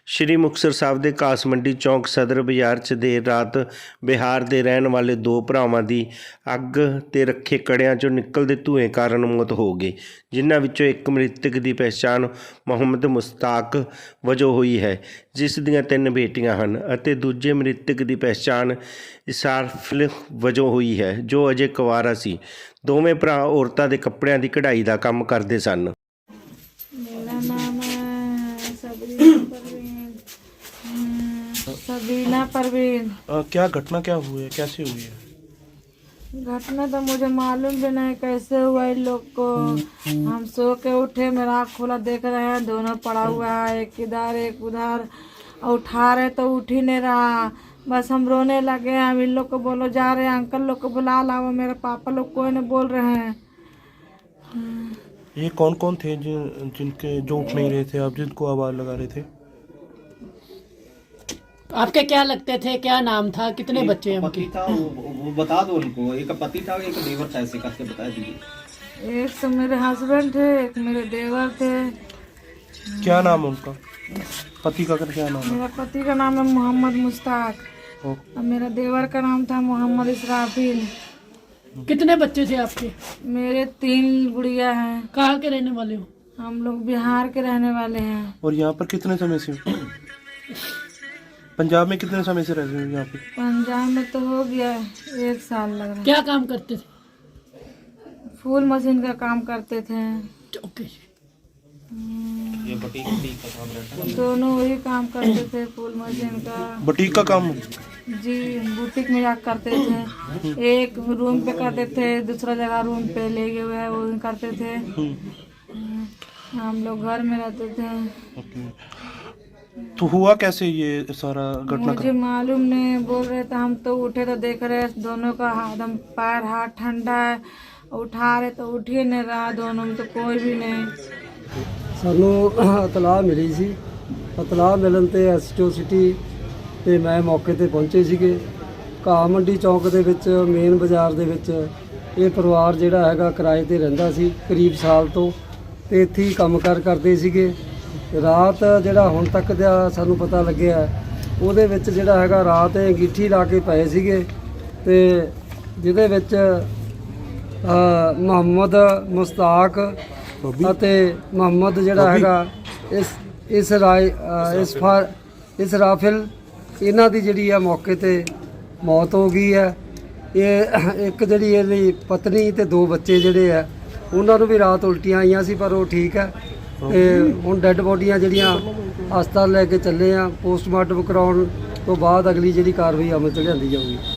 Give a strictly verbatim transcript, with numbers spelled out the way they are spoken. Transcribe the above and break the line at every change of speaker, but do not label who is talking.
ਸ਼੍ਰੀ ਮੁਕਤਸਰ ਸਾਹਿਬ ਦੇ ਕਾਸ ਮੰਡੀ ਚੌਂਕ ਸਦਰ ਬਾਜ਼ਾਰ 'ਚ ਦੇਰ ਰਾਤ ਬਿਹਾਰ ਦੇ ਰਹਿਣ ਵਾਲੇ ਦੋ ਭਰਾਵਾਂ ਦੀ ਅੱਗ ਤੇ ਰੱਖੇ ਕੜਿਆਂ 'ਚੋਂ ਨਿਕਲਦੇ ਧੂਏ ਕਾਰਨ ਮੌਤ ਹੋ ਗਈ, ਜਿਨ੍ਹਾਂ ਵਿੱਚੋਂ ਇੱਕ ਮ੍ਰਿਤਕ ਦੀ ਪਹਿਚਾਣ ਮੁਹੰਮਦ ਮੁਸ਼ਤਾਕ ਵਜੋਂ ਹੋਈ ਹੈ, ਜਿਸ ਦੀਆਂ ਤਿੰਨ ਬੇਟੀਆਂ ਹਨ, ਅਤੇ ਦੂਜੇ ਮ੍ਰਿਤਕ ਦੀ ਪਹਿਚਾਣ ਇਸਾਰਫਿਲ ਵਜੋਂ ਹੋਈ ਹੈ, ਜੋ ਅਜੇ ਕੁਆਰਾ ਸੀ। ਦੋਵੇਂ ਭਰਾ ਔਰਤਾਂ ਦੇ ਕੱਪੜਿਆਂ ਦੀ ਕਢਾਈ ਦਾ ਕੰਮ ਕਰਦੇ ਸਨ।
मेरा नाम है सबरीना परवीन। सबरीना परवीन।
अ, क्या घटना क्या हुई है, कैसे हुई है?
घटना तो मुझे मालूम भी नहीं कैसे हुआ इन लोग को। हम सो के उठे, मेरा आँख खोला, देख रहे हैं दोनों पड़ा हुआ है, एक इधर एक उधर। उठा रहे तो उठ ही नहीं रहा, बस हम रोने लगे। हम इन लोग को बोलो जा रहे हैं, अंकल लोग को बुला लाओ, मेरे पापा लोग कोई नहीं बोल रहे हैं।
ये कौन कौन थे जिन जिनके जो उठ नहीं रहे थे, आप जिनको आवाज़ लगा रहे थे?
आपके क्या लगते थे, क्या नाम था, कितने बच्चे हैं
पति
उनके?
था वो, वो बता दो उनको। एक पति था, एक देवर था, ऐसे करके बता दीजिए।
एक तो मेरे हस्बैंड थे, एक मेरे देवर थे।
क्या नाम है उनका? पति का क्या नाम है?
मेरा पति का नाम है मोहम्मद मुश्ताक
ओ,
और मेरा देवर का नाम था मोहम्मद इसराफिल।
कितने बच्चे थे आपके?
मेरे तीन गुड़िया हैं।
कहाँ के रहने वाले हो?
हम लोग बिहार के रहने वाले हैं।
और यहाँ पर कितने समय से? पंजाब में कितने समय से रहते हो यहाँ पे?
पंजाब में तो हो गया एक साल लग रहा
क्या काम करते थे?
है। फूल मशीन का काम करते थे।
ओके।
ये बुटीक बुटीक का काम रहता है।
दोनों वही काम करते थे, फूल मशीन का।
बुटीक का काम?
जी, बुटीक में जाकर करते थे। एक रूम पे करते थे, दूसरा जगह रूम पे ले गए हुए वो करते थे। हम लोग घर में रहते थे।
ओके। तो हुआ कैसे ये सारा घटना?
मुझे मालूम नहीं, बोल रहे थे। हम तो उठे तो देख रहे दोनों का एकदम पैर हाथ ठंडा है, उठा रहे तो उठ ही नहीं रहा, दोनों में तो कोई भी नहीं।
ਸਾਨੂੰ ਇਤਲਾਹ ਮਿਲੀ ਸੀ। ਇਤਲਾਹ ਮਿਲਣ ਤੇ ਐਸਟੀਓ ਸਿਟੀ ਤੇ ਮੈਂ ਮੌਕੇ ਤੇ ਪਹੁੰਚੇ ਸੀਗੇ। ਘਾਹ ਮੰਡੀ ਚੌਂਕ ਦੇ ਵਿੱਚ ਮੇਨ ਬਾਜ਼ਾਰ ਦੇ ਵਿੱਚ ਇਹ ਪਰਿਵਾਰ ਜਿਹੜਾ ਹੈਗਾ ਕਿਰਾਏ ਤੇ ਰਹਿੰਦਾ ਸੀ ਕਰੀਬ ਸਾਲ ਤੋਂ, ਤੇ ਇੱਥੇ ਹੀ ਕੰਮਕਾਰ ਕਰਦੇ ਸੀਗੇ। ਰਾਤ ਜਿਹੜਾ ਹੁਣ ਤੱਕ ਦਾ ਸਾਨੂੰ ਪਤਾ ਲੱਗਿਆ ਉਹਦੇ ਵਿੱਚ ਜਿਹੜਾ ਹੈਗਾ ਰਾਤ ਇਹ ਅੰਗੀਠੀ ਲਾ ਕੇ ਪਏ ਸੀਗੇ, ਤੇ ਜਿਹਦੇ ਵਿੱਚ ਮੁਹੰਮਦ ਮੁਸ਼ਤਾਕ ਅਤੇ ਮੁਹੰਮਦ ਜਿਹੜਾ ਹੈਗਾ ਇਸ ਇਸ ਰਾਏ ਇਸ ਫਾਰ ਇਸ ਰਾਫਿਲ, ਇਹਨਾਂ ਦੀ ਜਿਹੜੀ ਆ ਮੌਕੇ ਤੇ ਮੌਤ ਹੋ ਗਈ ਹੈ। ਇਹ ਇੱਕ ਜਿਹੜੀ ਇਹਦੀ ਪਤਨੀ ਤੇ ਦੋ ਬੱਚੇ ਜਿਹੜੇ ਆ ਉਹਨਾਂ ਨੂੰ ਵੀ ਰਾਤ ਉਲਟੀਆਂ ਆਈਆਂ ਸੀ, ਪਰ ਉਹ ਠੀਕ ਹੈ। ਤੇ ਹੁਣ ਡੈੱਡ ਬੋਡੀਆਂ ਜਿਹੜੀਆਂ ਹਸਪਤਾਲ ਲੈ ਕੇ ਚੱਲੇ ਆ, ਪੋਸਟਮਾਰਟਮ ਕਰਾਉਣ ਤੋਂ ਬਾਅਦ ਅਗਲੀ ਜਿਹੜੀ ਕਾਰਵਾਈ ਅਮਲ 'ਚ ਲਿਆਂਦੀ ਜਾਊਗੀ।